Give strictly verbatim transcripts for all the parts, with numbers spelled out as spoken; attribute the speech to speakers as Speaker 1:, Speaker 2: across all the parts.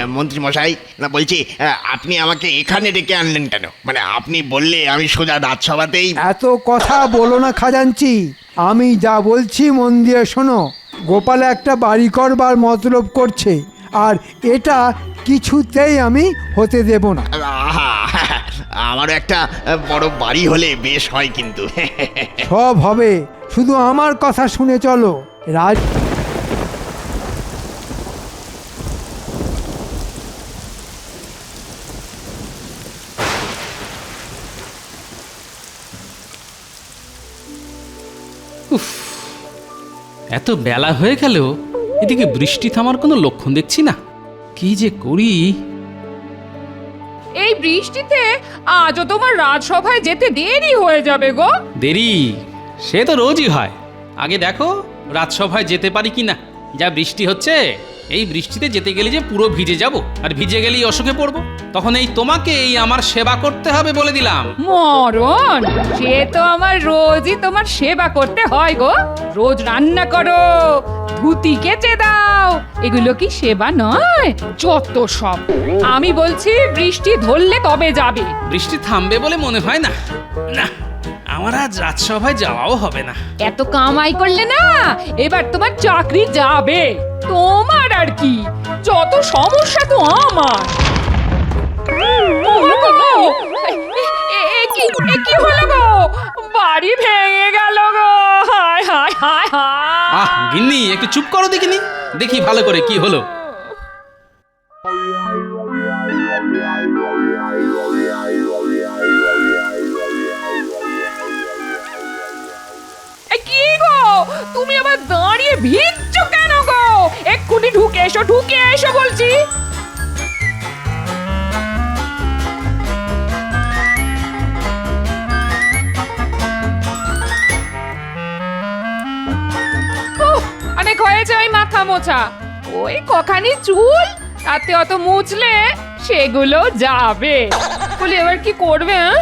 Speaker 1: মন্ত্রী মশাই, না বলছি আহ, আপনি আমাকে এখানে ডেকে আনলেন কেন? মানে আপনি বললে আমি সোজা রাজসভাতেই।
Speaker 2: এত কথা বলো না খাজাঞ্চি, আমি যা বলছি মন দিয়ে শোনো। গোপাল একটা বাড়ি করবার মতলব করছে, আর এটা কিছুতেই আমি হতে দেব না।
Speaker 1: আহা, আমারও একটা বড় বাড়ি হলে বেশ হয় কিন্তু।
Speaker 2: সব হবে, শুধু আমার কথা শুনে চলো। রাজ
Speaker 3: উফ, এত বেলা হয়ে গেল, এদিকে বৃষ্টি থামার কোনো লক্ষণ দেখছি না। কি যে করি।
Speaker 4: এই বৃষ্টিতে আজও তোমার রাজসভায় যেতে দেরি হয়ে যাবে গো।
Speaker 3: দেরি সে তো রোজই হয়। আগে দেখো রাজসভায় যেতে পারি কি না। যা বৃষ্টি হচ্ছে, এই বৃষ্টিতে যেতে গেলে যে পুরো ভিজে যাব, আর ভিজে গেলেই অসুখে পড়বো। তখন এই তোমাকে এই আমার সেবা করতে হবে বলে দিলাম।
Speaker 4: মরণ, সে তো আমার রোজই তোমার সেবা করতে হয় গো। রোজ রান্না করো, ধুতি কেচে দাও, এগুলো কি সেবা নয়? যত সব। আমি বলছি বৃষ্টি ধরলে তবে যাবে।
Speaker 3: বৃষ্টি থামবে বলে মনে হয় না। না, আমার আজ রাজসভায় যাওয়াও হবে না।
Speaker 4: এত কামাই করলে না, এবার তোমার চাকরি যাবে। তোমার আর কি, যত সমস্যা তো আমার। ও গো, এ- এ- এ কি এ কি হলো গো? বাড়ি ভেঙে গেল গো। হায় হায় হায়
Speaker 3: আহ
Speaker 4: হায়।
Speaker 3: গিন্নি, একটু চুপ করো দেখিনি। দেখি ভালো করে কি হলো।
Speaker 4: এ কি গো, তুমি আবার দাঁড়িয়ে ভিজছো কেন গো? এক্ষুনি ঢুকে এসো, ঢুকে এসো বলছি। উহ, অনেক হয়েছে ওই মাথা মোছা। ওই কখানি চুল, তাতে অত মুছলে সেগুলো যাবে। বলি এবার কি করবে? হ্যাঁ,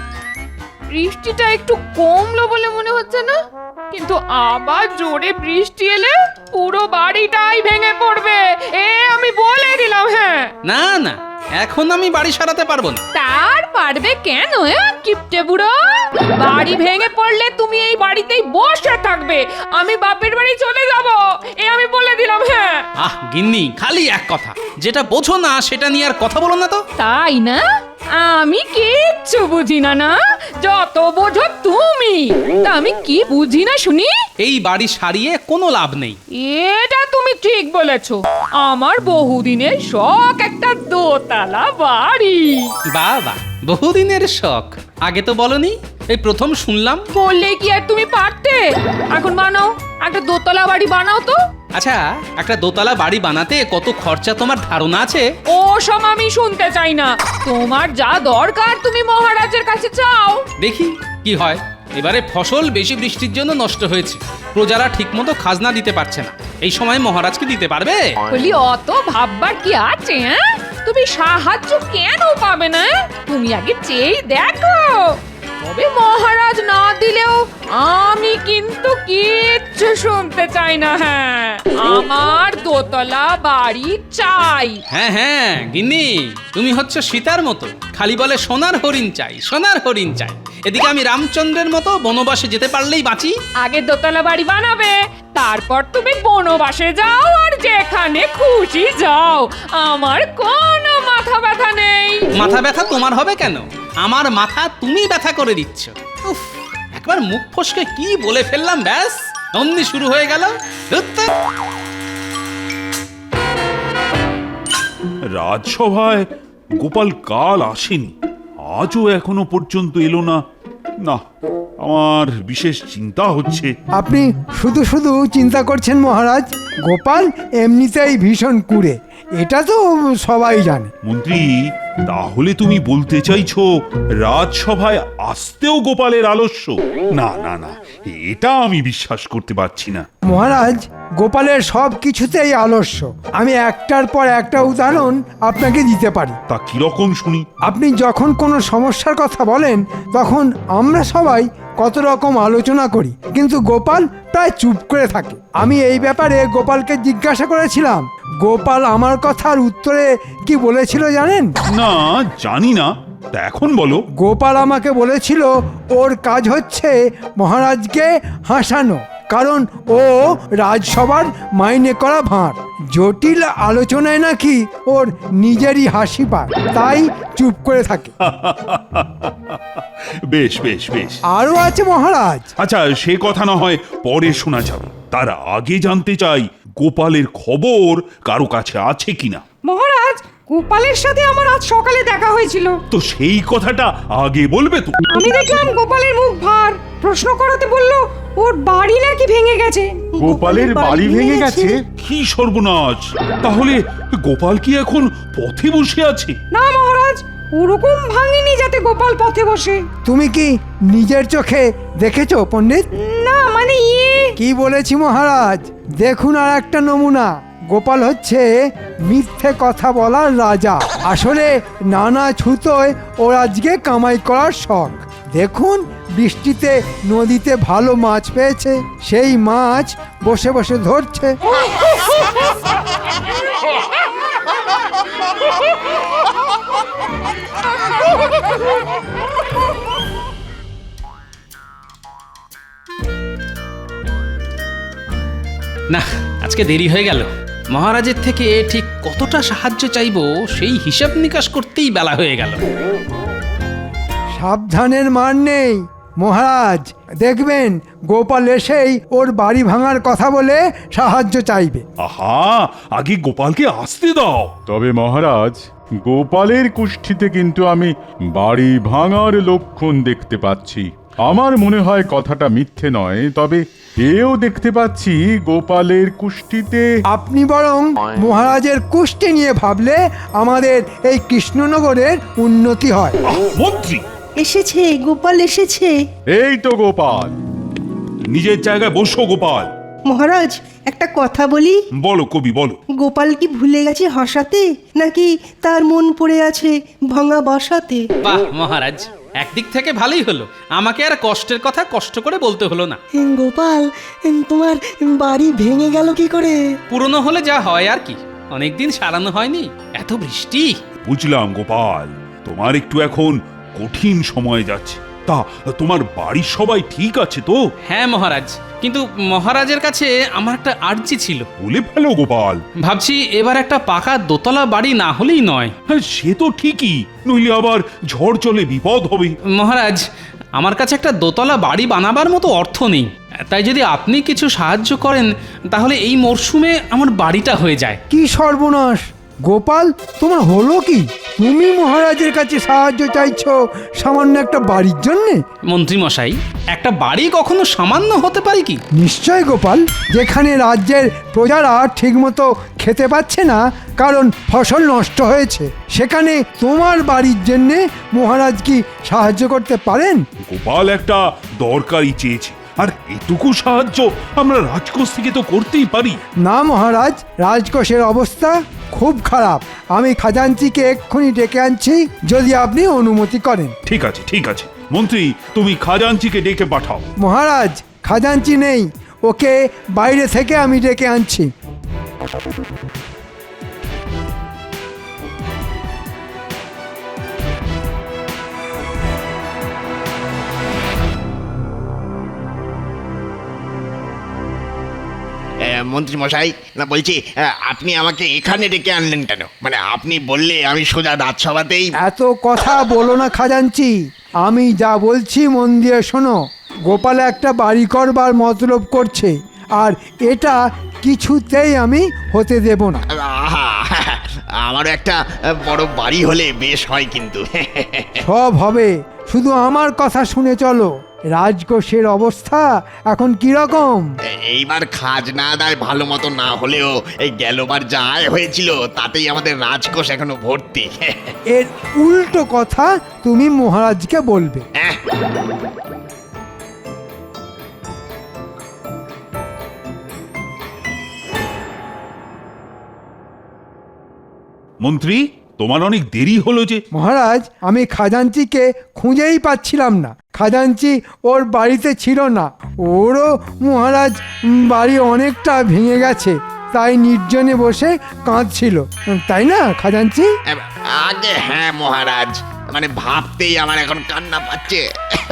Speaker 4: বৃষ্টিটা একটু কমলো বলে মনে হচ্ছে না, কিন্তু আবার জোরে বৃষ্টি এলে পুরো বাড়িটাই ভেঙে পড়বে, এ আমি বলে দিলাম। হ্যাঁ,
Speaker 3: না না, এখন আমি বাড়ি সারাতে পারবো না।
Speaker 4: তার পারবে কেন? হ্যাঁ, কিপটে বুড়ো, বাড়ি ভেঙে পড়লে তুমি এই বাড়িতেই বসে থাকবে, আমি বাপের বাড়ি চলে যাব, এ আমি বলে দিলাম। হ্যাঁ,
Speaker 3: আহ গিন্নি, খালি এক কথা, যেটা বোঝো না সেটা নিয়ে আর কথা বলো না তো।
Speaker 4: তাই না? আমি কিচ্ছু বুঝি না না, যত বোঝো তুমি। তা আমি কি বুঝি না শুনি?
Speaker 3: এই বাড়ি সারিয়ে কোনো লাভ নেই।
Speaker 4: এটা তুমি ঠিক বলেছো, আমার বহুদিনের শখ একটা দোতলা বাড়ি।
Speaker 3: বাবা, বহুদিনের শখ, আগে তো বলনি, এই প্রথম শুনলাম।
Speaker 4: বললে কি আর তুমি পারতে? এখন বানাও, একটা দোতলা বাড়ি বানাও তো।
Speaker 3: আচ্ছা, একটা দোতলা বাড়ি বানাতে কত খরচা তোমার ধারণা আছে?
Speaker 4: ও সব আমি শুনতে চাই না, তোমার যা দরকার তুমি মহারাজের কাছে চাও।
Speaker 3: দেখি কি হয়। এবারে ফসল বেশি বৃষ্টির জন্য নষ্ট হয়েছে, প্রজারা ঠিকমতো খাজনা দিতে পারছে না। এই সময় মহারাজকে দিতে পারবে?
Speaker 4: বলি অত ভাববার কি আছে? হ্যাঁ, তুমি সাহায্য কেন পাবে না? তুমি আগে চেয়ে দেখো। তবে মহারাজ না দিলেও আমি কিন্তু কিচ্ছু শুনতে চাই না। হ্যাঁ, আমার দোতলা বাড়ি চাই।
Speaker 3: হ্যাঁ হ্যাঁ গিন্নি, তুমি হচ্ছে সীতার মতো, খালি বলে সোনার হরিণ চাই, সোনার হরিণ চাই। এদিকে আমি রামচন্দ্রের মতো বনবাসে যেতে পারলেই বাঁচি।
Speaker 4: আগে দোতলা বাড়ি বানাবে, তারপর তুমি বনবাসে যাও আর যেখানে খুশি যাও, আমার কোনো মাথা ব্যথা নেই।
Speaker 3: মাথা ব্যথা তোমার হবে কেন? আমার মাথা তুমি ব্যথা করে দিচ্ছ। উফ, একবার মুখ ফসকে কি বলে ফেললাম, ব্যাস অমনি শুরু হয়ে গেল। ধুত্তে।
Speaker 5: রাজসভায় গোপাল কাল আসেনি, আজও এখনো পর্যন্ত এলো না। না, আমার বিশেষ চিন্তা হচ্ছে।
Speaker 2: আপনি শুধু শুধু চিন্তা করছেন মহারাজ। গোপাল এমনিতেই ভীষণ কুঁড়ে, এটা তো সবাই জানে।
Speaker 5: মন্ত্রী, তাহলে তুমি বলতে চাইছো রাজসভায় আসতেও গোপালের আলস্য? না না না, এটা আমি বিশ্বাস করতে পারছি না।
Speaker 2: মহারাজ, গোপালের সব কিছুতেই আলস্য। আমি একটার পর একটা উদাহরণ আপনাকে দিতে পারি।
Speaker 5: তা কিরকম শুনি?
Speaker 2: আপনি যখন কোনো সমস্যার কথা বলেন তখন আমরা সবাই কত রকম আলোচনা করি, কিন্তু গোপাল প্রায় চুপ করে থাকে। আমি এই ব্যাপারে গোপালকে জিজ্ঞাসা করেছিলাম। গোপাল আমার কথার উত্তরে কি বলেছিল জানেন?
Speaker 5: না, জানি না। তা এখন বলো।
Speaker 2: গোপাল আমাকে বলেছিল ওর কাজ হচ্ছে মহারাজকে হাসানো, কারণ ও রাজসভার মাইনে করা ভাঁড়। জটিল আলোচনায় নাকি ওর নিজেরই হাসি পায়, তাই চুপ করে থাকে।
Speaker 5: বেশ বেশ বেশ।
Speaker 2: আরও আছে মহারাজ।
Speaker 5: আচ্ছা, সে কথা না হয় পরে শোনা যাবে। তার আগে জানতে চাই গোপালের খবর কারো কাছে আছে কিনা।
Speaker 6: মহারাজ, গোপালের সাথে আমার আজ সকালে দেখা হয়েছিল।
Speaker 5: তো সেই কথাটা আগে বলবে তো।
Speaker 6: আমি দেখলাম গোপালের মুখ ভার। প্রশ্ন করাতে বলল ওর বাড়ি নাকি ভেঙে গেছে।
Speaker 7: গোপালের বাড়ি ভেঙে গেছে?
Speaker 5: কি সর্বনাশ! তাহলে গোপাল কি এখন পথে বসে আছে?
Speaker 6: না মহারাজ, ওরকম ভাঙেনি যাতে গোপাল পথে বসে।
Speaker 2: তুমি কি নিজের চোখে দেখেছো পণ্ডিত?
Speaker 6: না মানে ইয়ে।
Speaker 2: কি বলেছি মহারাজ, দেখুন আর একটা নমুনা। গোপাল হচ্ছে মিথ্যে কথা বলার রাজা। আসলে নানা ছুতোয় ওর আজকে কামাই করার শখ। দেখুন, বৃষ্টিতে নদীতে ভালো মাছ পেয়েছে, সেই মাছ বসে বসে ধরছে।
Speaker 3: না, আজকে দেরি হয়ে গেল। মহারাজের থেকে ঠিক কতটা সাহায্য চাইবো সেই হিসাব নিকাশ করতেই বেলা হয়ে গেল।
Speaker 2: সাবধানের মার নেই মহারাজ, দেখবেন গোপাল এসেই ওর বাড়ি ভাঙার কথা বলে সাহায্য চাইবে।
Speaker 5: আহা, আগে গোপালকে আসতে দাও।
Speaker 7: তবে মহারাজ, গোপালের কুষ্ঠিতে কিন্তু আমি বাড়ি ভাঙার লক্ষণ দেখতে পাচ্ছি। আমার মনে হয় কথাটা মিথ্যে নয়, তবে এও দেখতে পাচ্ছি গোপালের কুষ্ঠিতে।
Speaker 2: আপনি বরং মহারাজের কুষ্টি নিয়ে ভাবলে আমাদের এই কৃষ্ণনগরের উন্নতি হয়।
Speaker 5: আহ, মন্ত্রী,
Speaker 8: এসেছে, গোপাল এসেছে।
Speaker 7: এই তো গোপাল।
Speaker 5: নিজের জায়গায় বসো গোপাল।
Speaker 8: মহারাজ, একটা কথা বলি।
Speaker 5: বলো কবি, বলো।
Speaker 8: গোপাল কি ভুলে গেছে হাসাতে, নাকি তার মন পড়ে আছে ভাঙা বাসাতে?
Speaker 3: বাহ মহারাজ, একদিক থেকে ভালোই হলো, আমাকে আর কষ্টের কথা কষ্ট করে বলতে হলো না।
Speaker 9: গোপাল, তোমার বাড়ি ভেঙে গেল কি করে?
Speaker 3: পুরনো হলে যা হয় আর কি, অনেকদিন সারানো হয়নি, এত বৃষ্টি।
Speaker 5: বুঝলাম গোপাল, তোমার একটু এখন কঠিন সময় যাচ্ছে। তা তোমার বাড়ির সবাই ঠিক আছে তো?
Speaker 3: হ্যাঁ মহারাজ, কিন্তু মহারাজের কাছে আমার একটা আর্জি ছিল।
Speaker 5: বলে ফেলো গোপাল।
Speaker 3: ভাবছি এবার একটা পাকা দোতলা বাড়ি না হলেই নয়।
Speaker 5: হ্যাঁ, সে তো ঠিকই, নইলে আবার ঝড় চলে বিপদ হবে।
Speaker 3: মহারাজ, আমার কাছে একটা দোতলা বাড়ি বানাবার মতো অর্থ নেই, তাই যদি আপনি কিছু সাহায্য করেন তাহলে এই মরশুমে আমার বাড়িটা হয়ে যায়।
Speaker 2: কি সর্বনাশ! গোপাল, তোমার হলো কি? তুমি মহারাজের কাছে সাহায্য চাইছো সামান্য একটা বাড়ির জন্যে?
Speaker 3: মন্ত্রী মশাই, একটা বাড়ি কখনো সামান্য হতে পারে কি?
Speaker 2: নিশ্চয় গোপাল, যেখানে রাজ্যের প্রজারা ঠিকমতো খেতে পাচ্ছে না কারণ ফসল নষ্ট হয়েছে, সেখানে তোমার বাড়ির জন্যে মহারাজ কি সাহায্য করতে পারেন?
Speaker 5: গোপাল একটা দরকারি চেয়েছে, আর এটুকু সাহায্য আমরা রাজকোষ থেকে তো করতেই পারি।
Speaker 2: না মহারাজ, রাজকোষের অবস্থা খুব খারাপ। আমি খাজাঞ্চিকে এক্ষুনি ডেকে আনছি, যদি আপনি অনুমতি করেন।
Speaker 5: ঠিক আছে ঠিক আছে মন্ত্রী, তুমি খাজাঞ্চিকে ডেকে পাঠাও।
Speaker 2: মহারাজ, খাজাঞ্চি নেই, ওকে বাইরে থেকে আমি ডেকে আনছি।
Speaker 1: মন্ত্রী মশাই, না বলছি, আহ, আপনি আমাকে এখানে ডেকে আনলেন কেন? মানে আপনি বললে আমি সোজা রাজসভাতেই।
Speaker 2: এত কথা বলো না খাজাঞ্চি, আমি যা বলছি মন দিয়ে শোনো। গোপাল একটা বাড়ি করবার মতলব করছে, আর এটা কিছুতেই আমি হতে দেব না।
Speaker 1: আহা, আমারও একটা বড় বাড়ি হলে বেশ হয় কিন্তু।
Speaker 2: সব হবে, শুধু আমার কথা শুনে চলো। রাজকোষের অবস্থা এখন কি রকম?
Speaker 1: এইবার খাজনা আদায় ভালো মতো না হলেও এই গেলবার যা আয় হয়েছিল তাতেই আমাদের রাজকোষ এখনো ভর্তি।
Speaker 2: এর উল্টো কথা তুমি মহারাজকে বলবে।
Speaker 1: হ্যাঁ,
Speaker 5: মন্ত্রী তোমার অনেক দেরি হলো যে।
Speaker 2: মহারাজ, আমি খাজাঞ্চিকে খুঁজেই পাচ্ছিলাম না। খাজাঞ্চি ওর বাড়িতে ছিল না। ওরও মহারাজ উম, বাড়ি অনেকটা ভেঙে গেছে, তাই নির্জনে বসে কাঁদছিল, তাই না খাজাঞ্চি?
Speaker 1: আগে হ্যাঁ মহারাজ, মানে ভাবতেই আমার এখন কান্না পাচ্ছে।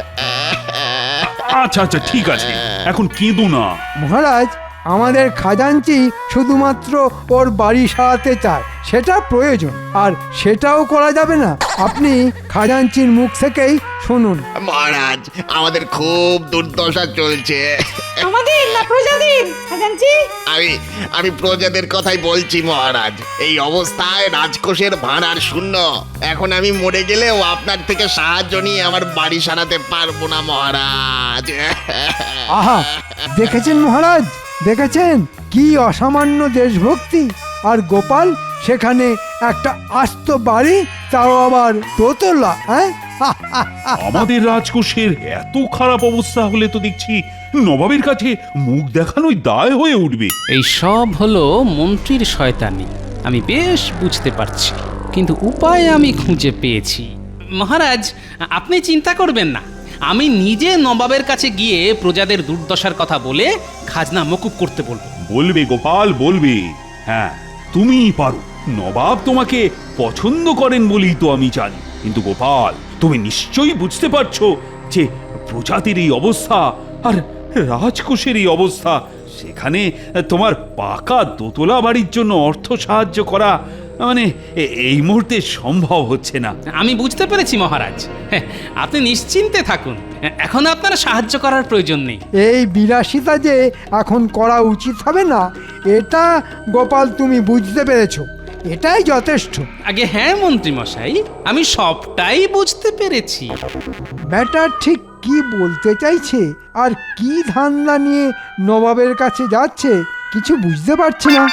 Speaker 5: আচ্ছা আচ্ছা ঠিক আছে, এখন কেঁদো না।
Speaker 2: মহারাজ, আমাদের খাজাঞ্চি শুধুমাত্র ওর বাড়ি সারাতে চায়, সেটা প্রয়োজন, আর সেটাও করা যাবে না। আপনি খাজাঞ্চির মুখ থেকেই শুনুন।
Speaker 1: মহারাজ, আমাদের খুব দুর্দশা চলছে।
Speaker 6: আমাদের না প্রজাদের খাজাঞ্চি?
Speaker 1: আমি আমি প্রজাদের কথাই বলছি মহারাজ। এই অবস্থায় রাজকোষের ভাঁড়ার শূন্য। এখন আমি মরে গেলেও আপনার থেকে সাহায্য নিয়ে আমার বাড়ি সারাতে পারবো না মহারাজ।
Speaker 2: আহা, দেখেছেন মহারাজ, দেখেছেন কি অসামান্য দেশভক্তি। আর গোপাল সেখানে একটা আস্ত বাড়ি, তাও আবার দোতলা। হ্যাঁ,
Speaker 5: আমাদের রাজকোষের এত খারাপ অবস্থা হলে তো দেখছি নবাবের কাছে মুখ দেখানোই দায় হয়ে উঠবে।
Speaker 3: এই সব হলো মন্ত্রীর শয়তানি, আমি বেশ বুঝতে পারছি, কিন্তু উপায় আমি খুঁজে পেয়েছি। মহারাজ, আপনি চিন্তা করবেন না, আমি নিজে নবাবের কাছে গিয়ে প্রজাদের দুর্দশার কথা বলে খাজনা মকুব করতে বলবো।
Speaker 5: বলবে গোপাল, বলবে। হ্যাঁ, তুমিই পারো। নবাব তোমাকে পছন্দ করেন বলেই তো আমি জানি। কিন্তু গোপাল, তুমি নিশ্চয়ই বুঝতে পারছো যে প্রজাতির এই অবস্থা আর রাজকোষের এই অবস্থা, সেখানে তোমার পাকা দোতলা বাড়ির জন্য অর্থ সাহায্য করা মানে এ- এই মুহূর্তে সম্ভব হচ্ছে না।
Speaker 3: আমি বুঝতে পেরেছি মহারাজ, হ্যাঁ, আপনি নিশ্চিন্তে থাকুন, এখন আপনার সাহায্য করার প্রয়োজন নেই।
Speaker 2: এই বিলাসিতা যে এখন করা উচিত হবে না, এটা গোপাল তুমি বুঝতে পেরেছো, এটাই যথেষ্ট।
Speaker 3: আগে হ্যাঁ মন্ত্রী মশাই, আমি সবটাই বুঝতে পেরেছি।
Speaker 2: ব্যাটার ঠিক কি বলতে চাইছে আর কি ধান্দা নিয়ে নবাবের কাছে যাচ্ছে কিছু বুঝতে পারছি না।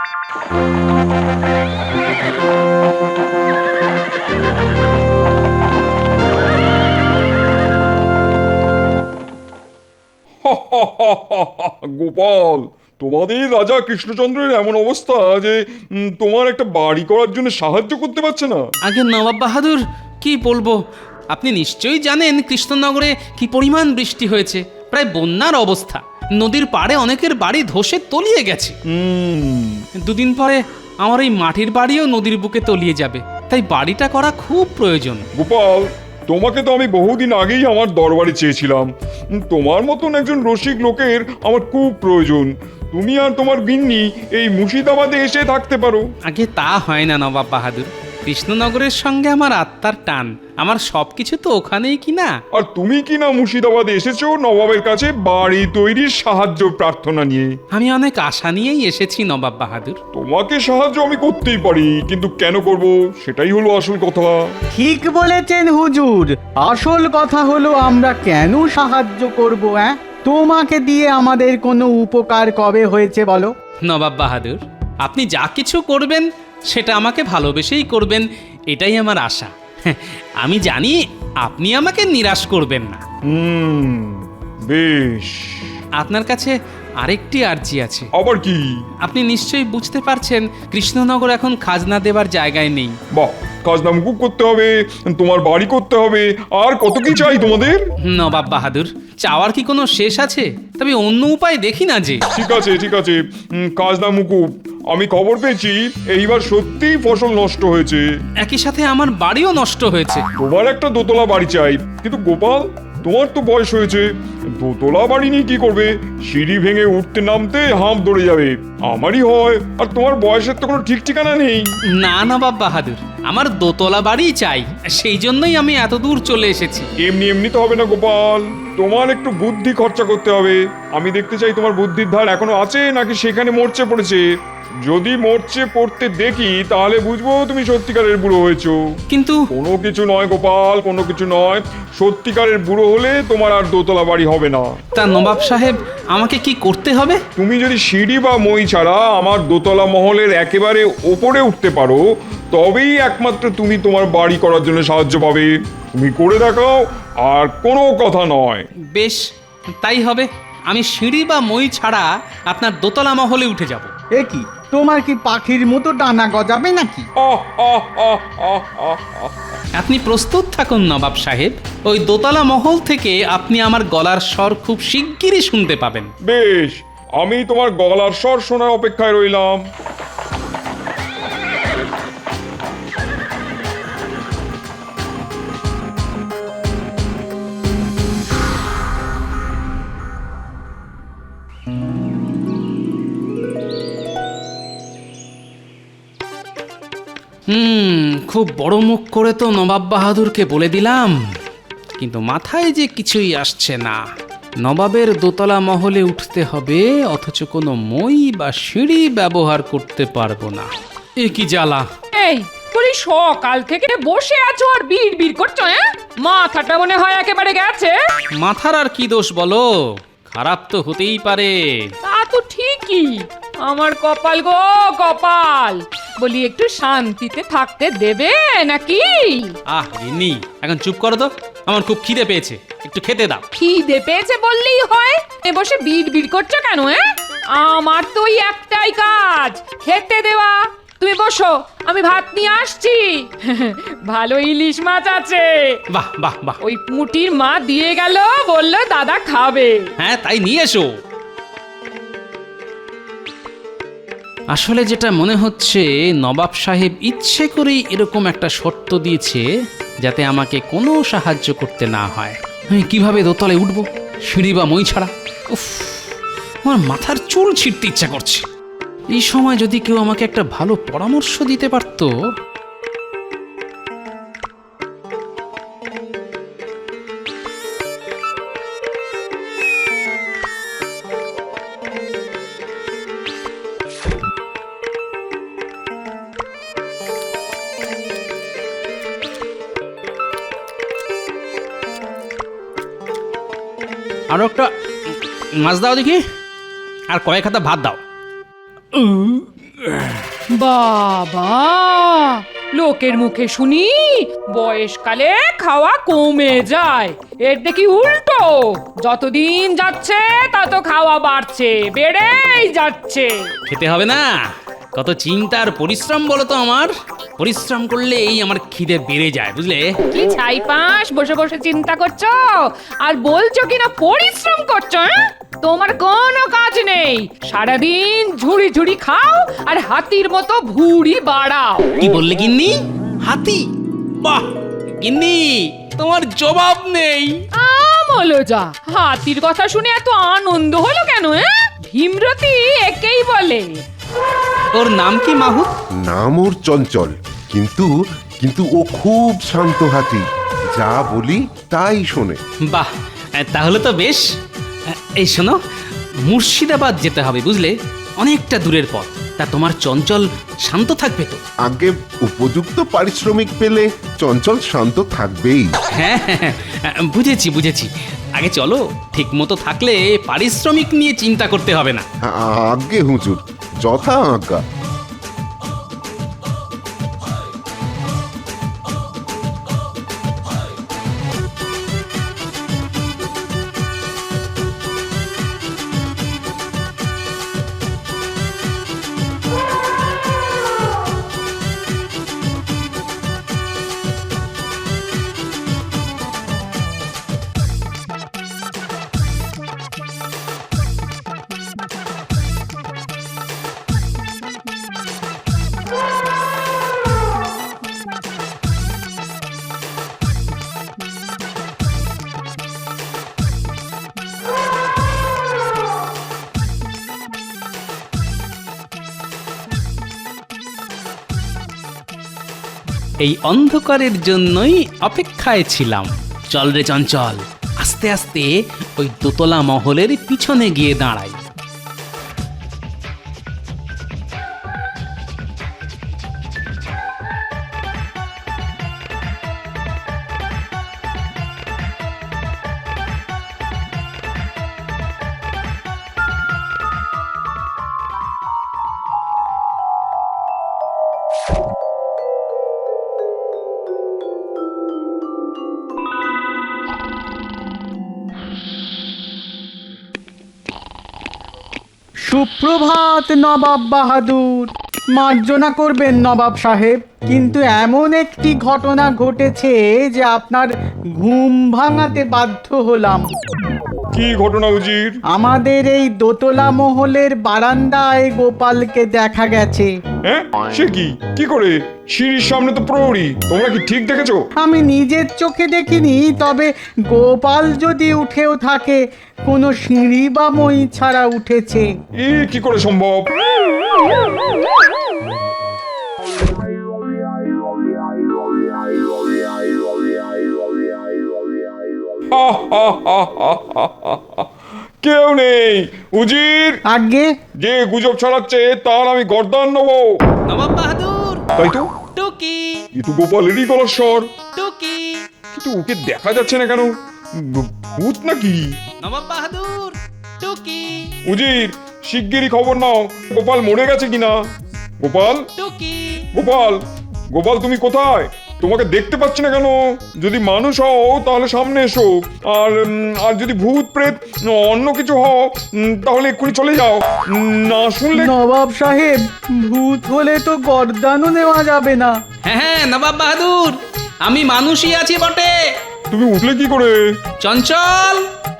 Speaker 10: গোপাল, তোমাদের রাজা কৃষ্ণচন্দ্রের এমন অবস্থা যে উম, তোমার একটা বাড়ি করার জন্য সাহায্য করতে পারছে না।
Speaker 3: আগে নবাব বাহাদুর, কি বলবো, আপনি নিশ্চয়ই জানেন কৃষ্ণনগরে কি পরিমাণ বৃষ্টি হয়েছে, প্রায় বন্যার অবস্থা। নদীর পাড়ে অনেকের বাড়ি ধসে তলিয়ে গেছে।
Speaker 10: হুম,
Speaker 3: দুদিন পরে আমার এই মাটির বাড়িও নদীর বুকে তলিয়ে যাবে, তাই বাড়িটা করা খুব প্রয়োজন।
Speaker 10: গোপাল, তোমাকে তো আমি বহুদিন আগেই আমার দরবারে চেয়েছিলাম। উম, তোমার মতন একজন রসিক লোকের আমার খুব প্রয়োজন। তুমি আর তোমার গিন্নি এই মুর্শিদাবাদে এসে থাকতে পারো।
Speaker 3: আগে তা হয় না নবাব বাহাদুর, কৃষ্ণনগরের সঙ্গে আমার আত্মার টান, আমার সবকিছু তো ওখানেই কিনা।
Speaker 10: আর তুমি কি না মুর্শিদাবাদে এসেছো নবাবের কাছে বাড়ি তৈরির সাহায্য প্রার্থনা নিয়ে?
Speaker 3: আমি অনেক আশা নিয়েই এসেছি নবাব বাহাদুর।
Speaker 10: তোমাকে সাহায্য আমি করতেই পারি, কিন্তু কেন করব সেটাই হলো আসল কথা।
Speaker 11: ঠিক বলেছেন হুজুর, আসল কথা হলো আমরা কেন সাহায্য করব? হ্যাঁ, তোমাকে দিয়ে আমাদের কোনো উপকার কবে হয়েছে বলো?
Speaker 3: নবাব বাহাদুর, আপনি যা কিছু করবেন সেটা আমাকে ভালোবেসেই করবেন, এটাই আমার আশা। আমি জানি আপনি আমাকে নিরাশ করবেন না।
Speaker 10: হুম, বেশ।
Speaker 3: আপনার কাছে আরেকটি আর্জি আছে।
Speaker 10: আবার কি?
Speaker 3: আপনি নিশ্চয়ই বুঝতে পারছেন কৃষ্ণনগর এখন খাজনা দেবার জায়গায় নেই।
Speaker 10: বাহ, খাজনা মুকুব করতে হবে, তোমার বাড়ি করতে হবে, আর কত কি চাই তোমাদের?
Speaker 3: নবাব বাহাদুর, চাওয়ার কি কোনো শেষ আছে? তবে অন্য উপায় দেখি না যে।
Speaker 10: ঠিক আছে ঠিক আছে, উম, খাজনা মুকুব। আমি খবর পেয়েছি এইবার সত্যিই ফসল নষ্ট হয়েছে।
Speaker 3: একই সাথে আমার বাড়িও নষ্ট হয়েছে।
Speaker 10: তোমার একটা দোতলা বাড়ি চাই, কিন্তু গোপাল তোমার তো বয়স হয়েছে, দোতলা বাড়ি নিয়ে কি করবে? সিঁড়ি ভেঙে উঠতে নামতে হাঁপ ধরে যাবে। আমারই হয়, আর তোমার বয়সের তো কোনো ঠিক ঠিকানা নেই।
Speaker 3: না নবাব বাহাদুর, আমার দোতলা বাড়িই চাই, সেই জন্যই আমি এত দূর চলে এসেছি।
Speaker 10: এমনি এমনি তো হবে না গোপাল, তোমার একটু বুদ্ধি খরচা করতে হবে। আমি দেখতে চাই তোমার বুদ্ধির ধার এখনো আছে নাকি সেখানে মরচে পড়েছে। যদি মরচে পড়তে দেখি তাহলে বুঝবো তুমি সত্যিকারের বুড়ো হয়েছো।
Speaker 3: কিন্তু
Speaker 10: কোনো কিছু নয় গোপাল, কোনো কিছু নয়। সত্যিকারের বুড়ো হলে তোমার আর দোতলা বাড়ি হবে না।
Speaker 3: তা নবাব সাহেব, আমাকে কি করতে হবে?
Speaker 10: তুমি যদি সিঁড়ি বা মই ছাড়া আমার দোতলা মহলের একেবারে ওপরে উঠতে পারো, তবেই একমাত্র তুমি তোমার বাড়ি করার জন্য সাহায্য পাবে। তুমি করে দেখাও, আর কোনো কথা নয়।
Speaker 3: বেশ, তাই হবে। আমি সিঁড়ি বা মই ছাড়া আপনার দোতলা মহলে উঠে যাব।
Speaker 11: এ কি, তোমার কি পাখির মতো ডানা গজাবে নাকি?
Speaker 10: আহ, আহ, আহ, আহ, আহ, আহ।
Speaker 3: আপনি প্রস্তুত থাকুন নবাব সাহেব, ওই দোতলা মহল থেকে আপনি আমার গলার স্বর খুব শিগগিরই শুনতে পাবেন।
Speaker 10: বেশ, আমি তোমার গলার স্বর শোনার অপেক্ষায় রইলাম।
Speaker 3: হুম খুব বড় মুখ করে তো নবাব বাহাদুরকে বলে দিলাম, কিন্তু মাথায় যে কিছুই আসছে না। নবাবের দোতলা মহলে উঠতে হবে, অথচ কোনো মই বা সিঁড়ি ব্যবহার করতে পারবো না। এ কি জ্বালা!
Speaker 4: এই বলি সকাল থেকে বসে আছো আর বিড় বিড় করছো, হ্যাঁ? মাথাটা মনে হয় একেবারে গেছে।
Speaker 3: মাথার আর কি দোষ বলো, খারাপ তো হতেই পারে।
Speaker 4: তা তো ঠিকই, আমার কপাল গো কপাল। বলি একটু শান্তিতে থাকতে দেবে নাকি?
Speaker 3: আহ গিন্নি, এখন চুপ করো তো, আমার খুব খিদে পেয়েছে, একটু খেতে দাও।
Speaker 4: খিদে পেয়েছে বললেই হয়, এ বসে বিড় বিড় করছো কেন? হ্যাঁ, আমার তো ওই একটাই কাজ, খেতে দেওয়া। তুমি বসো, আমি ভাত নিয়ে আসছি। ভালো ইলিশ মাছ আছে।
Speaker 3: বাহ বাহ বাহ,
Speaker 4: ওই পুঁটির মা দিয়ে গেল, বললো দাদা খাবে।
Speaker 3: হ্যাঁ তাই নিয়ে এসো। আসলে যেটা মনে হচ্ছে, নবাব সাহেব ইচ্ছে করেই এরকম একটা শর্ত দিয়েছে যাতে আমাকে কোনো সাহায্য করতে না হয়। আমি কিভাবে দোতলায় উঠবো, সিঁড়ি বা মই ছাড়া? উফ, আমার মাথার চুল ছিঁড়তে ইচ্ছা করছে। এই সময় যদি কেউ আমাকে একটা ভালো পরামর্শ দিতে পারতো। আরো একটা মাছ দাও দেখি, আর কয়েক হাতা ভাত দাও।
Speaker 4: বাবা, লোকের মুখে শুনি বয়সকালে খাওয়া কমে যায়, এর দেখি উল্টো। যতদিন যাচ্ছে তত খাওয়া বাড়ছে, বেড়েই যাচ্ছে।
Speaker 3: খেতে হবে না, কত চিন্তা আর পরিশ্রম বলো তো আমার। পরিশ্রম করলেই আমার খিদে বেড়ে যায়, বুঝলে?
Speaker 4: কি ছাইপাঁশ বসে বসে চিন্তা করছো আর বলছো কিনা পরিশ্রম করছো? হ্যাঁ, তোমার কোনো কাজ নেই, সারাদিন ঝুড়ি ঝুড়ি খাও আর হাতির মতো ভুঁড়ি বাড়াও।
Speaker 3: কি বললে গিন্নি? হাতি? বাহ গিন্নি, তোমার জবাব নেই।
Speaker 4: আমলো যা, হাতির কথা শুনে এত আনন্দ হলো কেন? হ্যাঁ, ভীমরতি একেই বলে।
Speaker 3: ওর নাম কি মাহুত?
Speaker 12: নাম ওর চঞ্চল, কিন্তু কিন্তু ও খুব শান্ত হাতি, যা বলি তাই শোনে।
Speaker 3: বাহ, তাহলে তো বেশ। এই শোনো, মুর্শিদাবাদ যেতে হবে, বুঝলে? অনেকটা দূরের পথ। তা তোমার চঞ্চল শান্ত থাকবে তো?
Speaker 12: আগে উপযুক্ত পারিশ্রমিক পেলে চঞ্চল শান্ত থাকবেই।
Speaker 3: হ্যাঁ হ্যাঁ, বুঝেছি বুঝেছি। আগে চলো, ঠিক মতো থাকলে পারিশ্রমিক নিয়ে চিন্তা করতে হবে না।
Speaker 12: আজ্ঞে হুজুর, যথা আজ্ঞা।
Speaker 3: এই অন্ধকারের জন্যই অপেক্ষায় ছিলাম। চল রে চঞ্চল, আস্তে আস্তে ওই দোতলা মহলের পিছনে গিয়ে দাঁড়াই।
Speaker 11: সুপ্রভাত নবাব বাহাদুর। মার্জনা করবেন নবাব সাহেব, কিন্তু এমন একটি ঘটনা ঘটেছে যে আপনার ঘুম ভাঙাতে বাধ্য হলাম।
Speaker 10: কি ঘটনা উজির?
Speaker 11: আমাদের এই দোতলা মহলের বারান্দায় গোপালকে দেখা গেছে।
Speaker 10: হ্যাঁ, সে কি কি করে? সিঁড়ির সামনে তো প্রহরী, তোমরা কি ঠিক দেখেছো?
Speaker 11: আমি নিজের চোখে দেখিনি, তবে গোপাল যদি উঠেও থাকে কোনো সিঁড়ি বা মই ছাড়া উঠেছে।
Speaker 10: এ কি করে সম্ভব? কেউ নেই উজির।
Speaker 11: আগে
Speaker 10: যে গুজব ছড়াচ্ছে তার আমি গর্দান নেবো।
Speaker 3: নবাব বাহাদুর,
Speaker 10: তাই তো,
Speaker 3: টুকি
Speaker 10: কিন্তু গোপালেরই গলার স্বর।
Speaker 3: টুকি।
Speaker 10: কিন্তু ওকে দেখা যাচ্ছে না কেন? ভ- ভূত নাকি?
Speaker 3: নবাব বাহাদুর, টুকি
Speaker 10: উজির, শিগগিরই খবর নাও গোপাল মরে গেছে কিনা। গোপাল,
Speaker 3: টুকি।
Speaker 10: গোপাল, গোপাল তুমি কোথায়? তোমাকে দেখতে পাচ্ছি না কেন? যদি মানুষ হও তাহলে সামনে এসো, আর উম, আর যদি ভূত প্রেত অন্য কিছু হও উম, তাহলে এক্ষুনি চলে যাও। উম, না শুনলে
Speaker 11: নবাব সাহেব, ভূত হলে তো গর্দানও নেওয়া যাবে না।
Speaker 3: হ্যাঁ হ্যাঁ নবাব বাহাদুর, আমি মানুষই আছি বটে।
Speaker 10: তুমি উঠলে কি করে?
Speaker 3: চঞ্চল,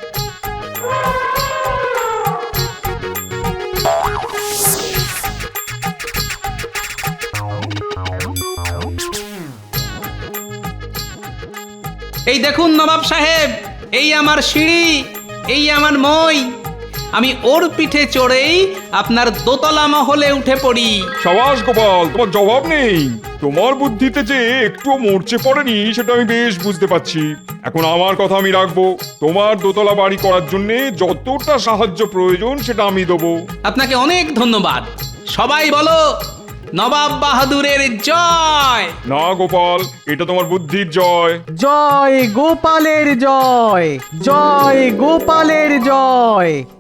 Speaker 3: এই দেখুন নবাব সাহেব, এই আমার সিঁড়ি, এই আমার মই। আমি ওর পিঠে চড়েই আপনার দোতলা মহলে উঠে পড়ি।
Speaker 10: সাবাস গোপাল, তোমার জবাব নেই। তোমার বুদ্ধিতে যে একটুও মরচে পড়েনি সেটা আমি বেশ বুঝতে পারছি। এখন আমার কথা আমি রাখবো। তোমার দোতলা বাড়ি করার জন্য যতটা সাহায্য প্রয়োজন সেটা আমি দেবো।
Speaker 3: আপনাকে অনেক ধন্যবাদ। সবাই বলো নবাব বাহাদুরের জয়।
Speaker 10: না গোপাল, এটা তোমার বুদ্ধির জয়।
Speaker 11: জয় গোপালের জয়, জয় গোপালের জয়।